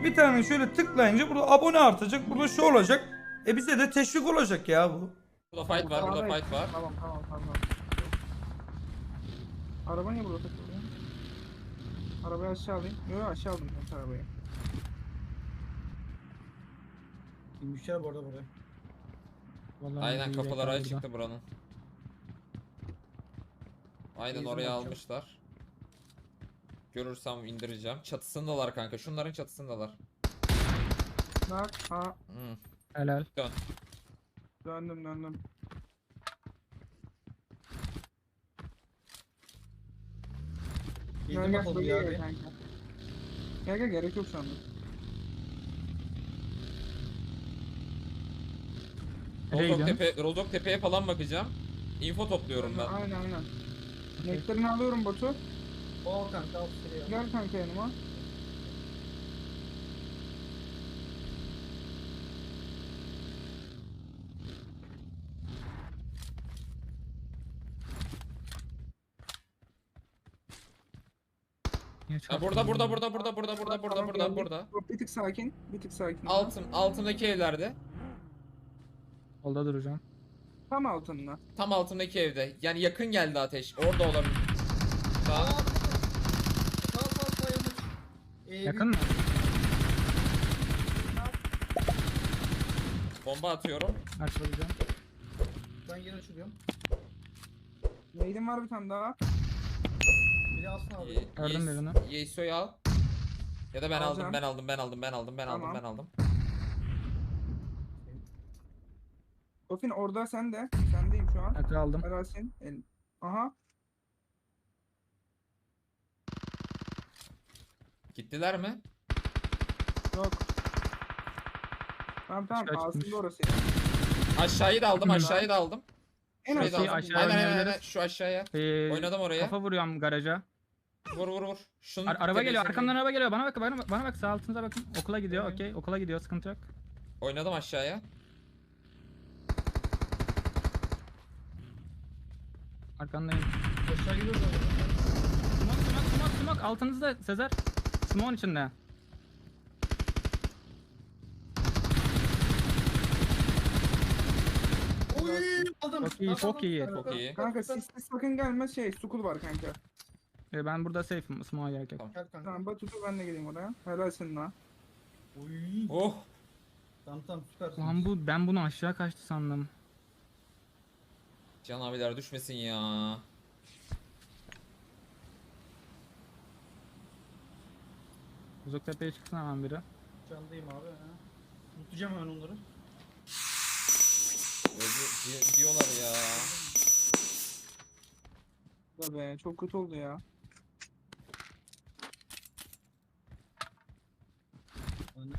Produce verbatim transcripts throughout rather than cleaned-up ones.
Bir tane şöyle tıklayınca burada abone artacak. Burada şu olacak. E bize de teşvik olacak ya bu. Burada fight var, burada Sağdayım. fight var. Tamam tamam tamam. Araba niye burada takılıyor? Arabayı aşağı alayım. Yok yok aşağı aldım ben arabayı. İnmişler bu arada buraya. Vallahi Aynen iyi kapılar bekler açıktı burada. buranın. Aynen Benzin oraya bakacağım. almışlar. Görürsem indireceğim. Çatısındalar kanka. Şunların çatısındalar. Bak ha Hmm. Helal. döndüm döndüm. Gel Bildim gel yapalım böyle ya gel abi. kanka. Gel gel gerek yok şu anda. Nereye Rozok, gidiyorsun? tepe, Rozok tepeye falan bakacağım. Info topluyorum ben. Aynen aynen. Nektarini alıyorum botu. O kanka al sıraya. Gel kanka yanıma. Niye Ha, burada burada çarptın? burada burada burada burada burada Tamam, burada geldim. burada. Yok, bir tık sakin. Bir tık sakin. Altın altındaki evlerde. Solda duracağım. Tam altında. Tam altındaki evde. Yani yakın geldi ateş. Orada olabilir. Sağ. Sağ sağ sağ yanlış. Ee, Yakın mı? Bomba atıyorum. Açılacağım. Ben yine açılıyorum. Neydim var bir tane daha. Biri alsın abi. Ye- Gördüm Yes- birini. Yeso'yu al. Ya da ben aldım, Alacağım. ben aldım, ben aldım, ben aldım, ben aldım, Tamam. ben aldım. Kofin orada sen de. Sendeyim şu an. Akı aldım. Arasin. El. Aha. Gittiler mi? Yok. Tamam tamam. Aşağı çıkmış. Aslında orası. Aşağıyı da aldım, Hı. aşağıyı da aldım. En Şurayı da Aşağıya- aldım. aşağıya Aynen aynen aynen. oynayabiliriz. Şu aşağıya. Ee, Oynadım oraya. Kafa vuruyorum garaja. Vur vur vur. Şunun Ar- araba geliyor. tepesine- Arkamdan araba geliyor. Bana bak, bana bak, bana bak. Sağ altınıza bakın. Okula gidiyor. Evet. Okey. Okula gidiyor. Sıkıntı yok. Oynadım aşağıya. Arkandayım. Aşağı gidiyoruz abi. Smoke, smoke, smoke, smoke. Altınızda Sezer. Smoke'un içinde. Oy aldım. Çok iyi, Aldım, çok aldım. iyi. Süper, Çok süper. iyi. Kanka sisli sakın gelme şey. Sukul var kanka. Ee, ben burada safe'im. Smoke'a gerek yok. Tamam. Gel kanka. Tamam Batu ben de geleyim oraya. Helalsin lan. Oy. Oh. Tamam tamam süpersin. Lan bu, ben bunu aşağı kaçtı sandım. Can abiler düşmesin ya. Uzak tepeye çıksın hemen biri. Candayım abi. Ha. Unutacağım hemen onları. Öyle di- diyorlar ya. Da be çok kötü oldu ya. Ben-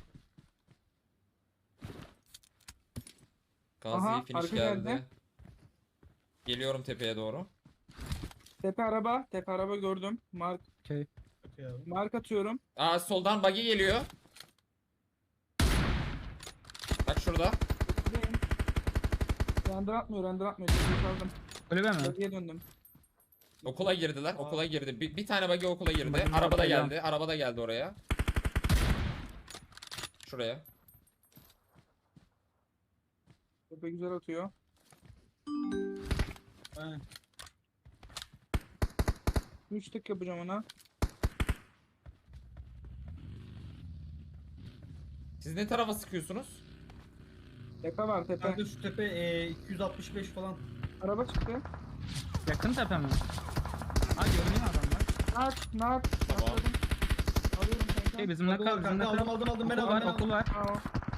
Gazi Aha, finish arka geldi. geldi. Geliyorum tepeye doğru. Tepe araba. Tepe araba gördüm. Mark. Okey. Okey abi. Mark atıyorum. Aa soldan buggy geliyor. Bak şurada. Buradayım. Render atmıyor. Render atmıyor. Tepeyi kaldım. Kulübe mi? Bölgeye döndüm. Okula girdiler. Okula girdi. Bir, bir tane buggy okula girdi. Buggy'nin Araba da ortaya geldi. Araba da geldi oraya. Şuraya. Tepe güzel atıyor. Aynen. üç tık yapacağım ona. Siz ne tarafa sıkıyorsunuz? Tepe var tepe. Kanka şu tepe e, iki yüz altmış beş falan. Araba çıktı. Yakın tepe mi? Ha görünüyor adamlar. Nak nak. Tamam. Nakladım. Alıyorum kanka. Okey bizim Okul nakal, var bizim kanka nakal. aldım aldım aldım ben Okul aldım. var, ben aldım. okul var. Aa,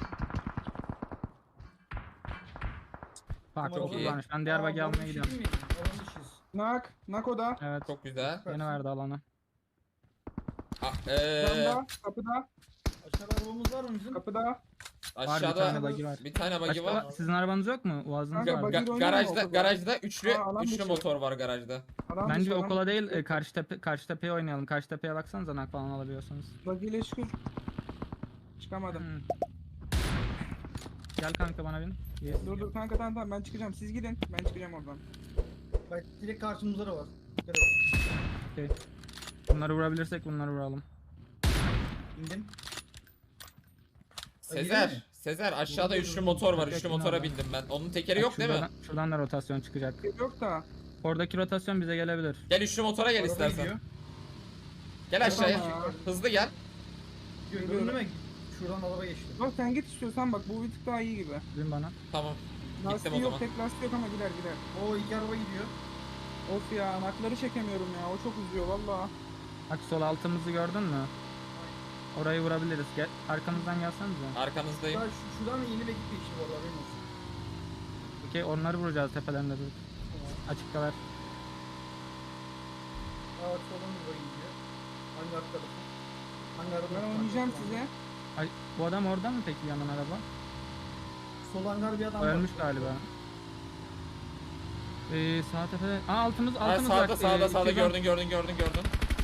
Farklı Tamam, okul iyi. varmış. Ben diğer Aa, bug'i alan almaya dışı gidiyorum. değil mi? Alan dışıyız. nak. Nak o da. Evet. Çok güzel. Yeni verdi alanı. Aa, eee, Camda. Kapıda. Aşağıda arabamız var mı bizim? Kapıda. aşağıda bir tane buggy var. bir tane buggy Başka var. var. Sizin arabanız yok mu? Uazınız Kanka, var. buggy- Ga- oynamıyor garajda okulda. garajda üçlü Aa, alan üçlü dışı. motor var garajda. Adam Bence dışarıdan- okula değil, e, karşı tepe karşı tepeye oynayalım. Karşı tepeye baksanıza nak falan alabiliyorsanız. Buggy ile çıkıyor. Çıkamadım. Hmm. Gel kanka bana bin. Yes. Dur dur kanka tamam tamam ben çıkacağım. Siz gidin. Ben çıkacağım oradan. Bak direkt karşımızda da var. Dikkat et. Bunları vurabilirsek bunları vuralım. İndim. Sezer, Sezer aşağıda üçlü motor var. Üçlü motora bindim ben. Onun tekeri yok değil mi? Şuradan, şuradan da rotasyon çıkacak. Yok da. Oradaki rotasyon bize gelebilir. Gel üçlü motora gel Araba istersen. gidiyor. Gel aşağıya. Tamam. Hızlı gel. Gördün mü? Şuradan araba geçti. Bak sen git istiyorsan bak bu bir tık daha iyi gibi. Dün bana. Tamam. Gittim Lastiği o yok, zaman. tek lastiği yok ama gider gider. O iki araba gidiyor. Of ya, anahtarı çekemiyorum ya, o çok üzüyor valla. Bak sol altımızı gördün mü? Orayı vurabiliriz. Gel, arkamızdan gelsenize. Arkanızdayım. Ya şu, şuradan yeni bir ekip geçti bu arada benim olsun. Okey, onları vuracağız tepelerinde dur. Açıkta ver. Evet soldan bir böyle gidiyor. Hangi arka tarafı? Hangi araba? Ben oynayacağım size. Ay, bu adam orada mı peki yanan araba? Sol hangar bir adam O var. ölmüş galiba. Ee, sağ tepede. Aa altımız Ha, altımız sağda bak. sağda Ee, sağda iki can. gördün gördün gördün gördün.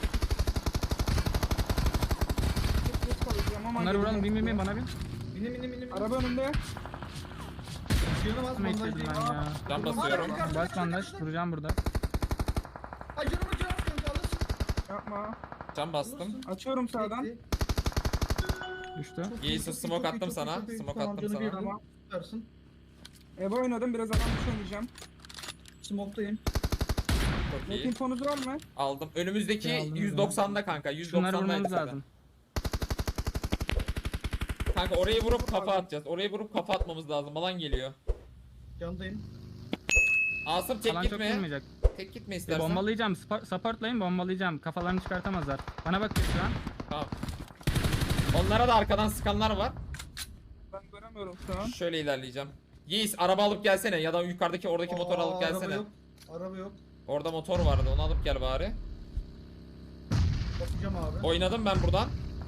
Çok geç kalacağım ama Onları vuralım, bin bin bin geleceğim. bana bin. Binin binin binin. Araba önümde. Canım az Kime bandaj içirdim değil. ben ya. Can basıyorum. Bas bandaj, duracağım burada. Ay canım canım kanka alırsın. Yapma. Can bastım. Açıyorum sağdan. Çekti. Düştü. Çok İyi, çok sus, iyi, smoke çok iyi, attım çok iyi, sana. çok iyi. Smoke Tamam, attım canı bir sana. adam. Süpersin. Eve oynadım, biraz adam dışı oynayacağım. Smoke'dayım. Çok Net iyi. infonuz var mı? Aldım. Önümüzdeki Şey aldım, yüz doksanda kanka. Şunları yüz doksandaydı vurmamız zaten. lazım. Kanka orayı vurup kafa atacağız. Orayı vurup kafa atmamız lazım. Alan geliyor. Candayım. Asım tek Alan çok gitme. vurmayacak. Tek gitme Ee, istersen. bombalayacağım. Spa- Supportlayın, bombalayacağım. Kafalarını çıkartamazlar. Bana bak şu an. Tamam. Onlara da arkadan sıkanlar var. Ben göremiyorum şu an. Şöyle ilerleyeceğim. Yiğis araba alıp gelsene ya da yukarıdaki oradaki motoru Aa, alıp gelsene. Araba yok. Araba yok. Orada motor vardı, onu alıp gel bari. Bakacağım abi. Oynadım ben buradan.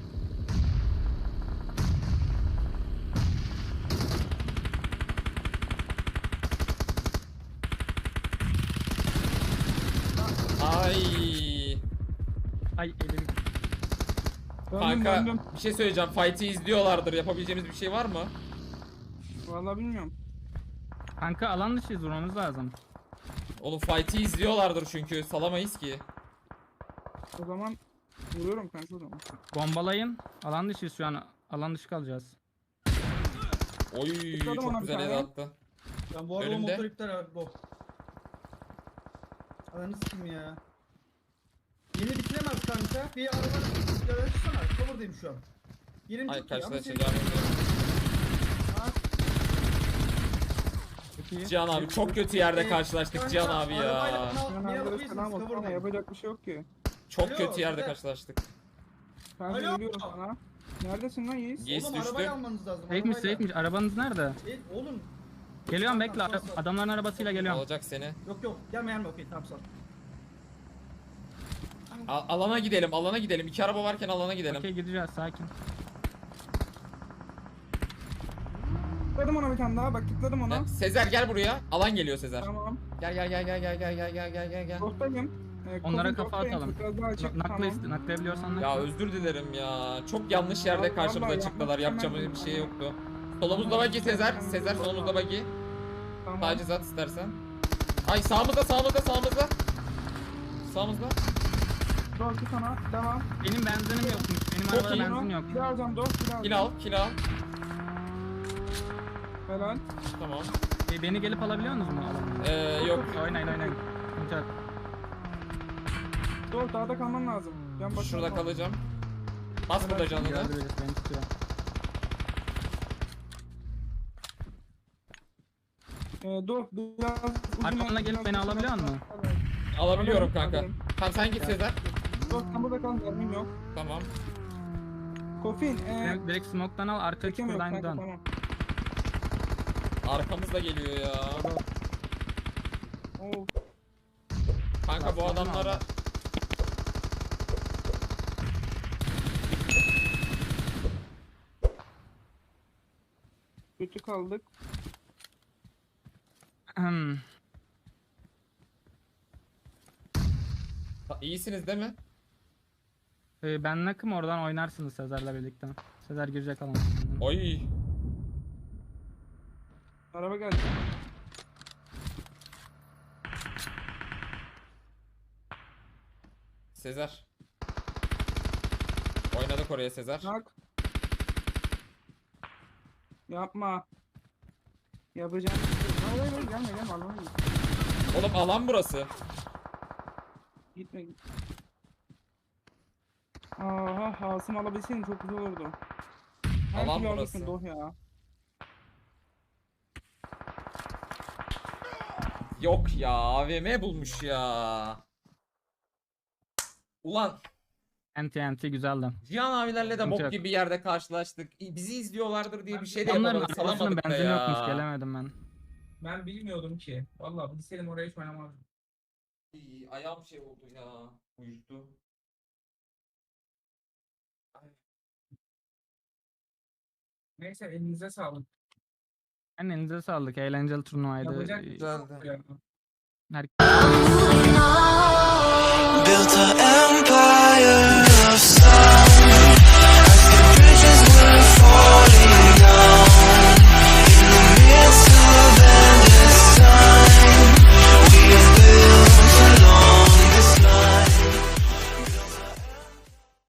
Ay. Ay elim. Döndüm Kanka döndüm. bir şey söyleyeceğim. Fight'i izliyorlardır. Yapabileceğimiz bir şey var mı? Valla bilmiyorum. Kanka alan dışıyız, vurmamız lazım. Oğlum fight'i izliyorlardır çünkü. Salamayız ki. O zaman vuruyorum kanka o zaman. Bombalayın. Alan dışıyız şu an. Alan dışı kalacağız. Oy Tıkladım ona çok bir güzel tane. el attı. Ben bu araba Önümde. motor iptal abi bu. Ananı sikeyim ya. Yeni bitilemez kanka. Bir araba yavaşlasana. Cover'dayım şu an. Yerim Ay çok iyi ama karşılaşacağım. Çok iyi. Cihan abi çok kötü yerde Ee, karşılaştık kanka, Cihan abi arabayla ya. bana- Ben bir arkadaş alabilirsiniz, selam olsun ama cover'dayım. yapacak bir şey yok ki. Çok Alo, kötü yerde güzel. karşılaştık. Kanka Alo. geliyorum sana. Neredesin lan Yiğit? Yiğit Oğlum düştü. arabayı almanız lazım. Safe'miş arabayla. safe'miş. Arabanız nerede? E, oğlum. Geliyorum, Tamam, bekle. tamam, sağ ol. Adamların arabasıyla geliyorum. Alacak seni. Yok yok gelme gelme okey tamam sağ ol. A- alana gidelim, alana gidelim. İki araba varken alana gidelim. Okey, gideceğiz, sakin. Tıkladım ona bir tane daha, bak tıkladım ona. Ya, Sezer gel buraya. Alan geliyor Sezer. Tamam. Gel gel gel gel gel gel gel gel gel gel gel. Dostayım. Ee, Onlara Covid kafa dostayım, atalım. biraz daha açık, Nakla tamam. iste, naklayabiliyorsan nakla. Ya özür dilerim ya. Çok yanlış yerde Vallahi karşımıza yapmak çıktılar. Yapacağımız bir istemezdim. şey yoktu. Solumuzda bagi Sezer. Sezer solumuzda bagi. Tamam. Tacizat istersen. Ay sağımızda sağımızda sağımızda. Sağımızda. Dostu sana. Devam. Benim benzinim yokmuş. Benim Çok arabada iyi. benzin yok. Kill alacağım dost, kill alacağım. Kill al, kill al. Helal. Tamam. E, beni gelip alabiliyor musunuz mu? Ee, yok. Oynayın oynayın. Sıkıntı yok. Dost dağda kalman lazım. Can başına Şurada kal. kalacağım. Bas burada canını. Gördü birisi, beni tutuyor. Ee, dost biraz uzun Arkamdan oyna, gelip biraz beni uzun alabiliyor oyna. musun? Alabiliyorum Alırım, kanka. alırım. Tamam sen git Sezer. Dost sen burada kal, mermim yok. Tamam. Kofin. Ee, Direkt, direkt smoke'tan al, arka çekemiyorum çukurdan kanka, dön. tamam. Arkamızda geliyor ya. Oo, Kanka bu Lastikten adamlara aldı. kötü kaldık. Hmm. Ha, iyisiniz değil mi? Ee, ben nakım, oradan oynarsınız Sezer'le birlikte. Sezer girecek alan. Oy. Araba geldi. Sezer. Oynadık oraya Sezer. Nak. Yapma. Yapacağım. Hayır hayır hayır, gelme gelme Allah'ım. Oğlum alan burası. Gitme gitme. Aha Hasım alabilseydin çok güzel olurdu. Her Alan türlü burası. alacaksın Doh ya. Yok ya, A V M bulmuş ya. Ulan N T N T güzeldi. Cihan abilerle de Sıkıntı bok yok. gibi bir yerde karşılaştık. Bizi izliyorlardır diye bir şey de Onların yapamadık, arabasının salamadık da benzin ya. yokmuş gelemedim ben. Ben bilmiyordum ki. Vallahi bilseydim oraya hiç oynamazdım. İyi, ayağım şey oldu ya. Uyuştu. Neyse elinize sağlık. Yani elinize sağlık. Eğlenceli turnuvaydı. Yapacak Ee, Güzeldi. ya. Her Built a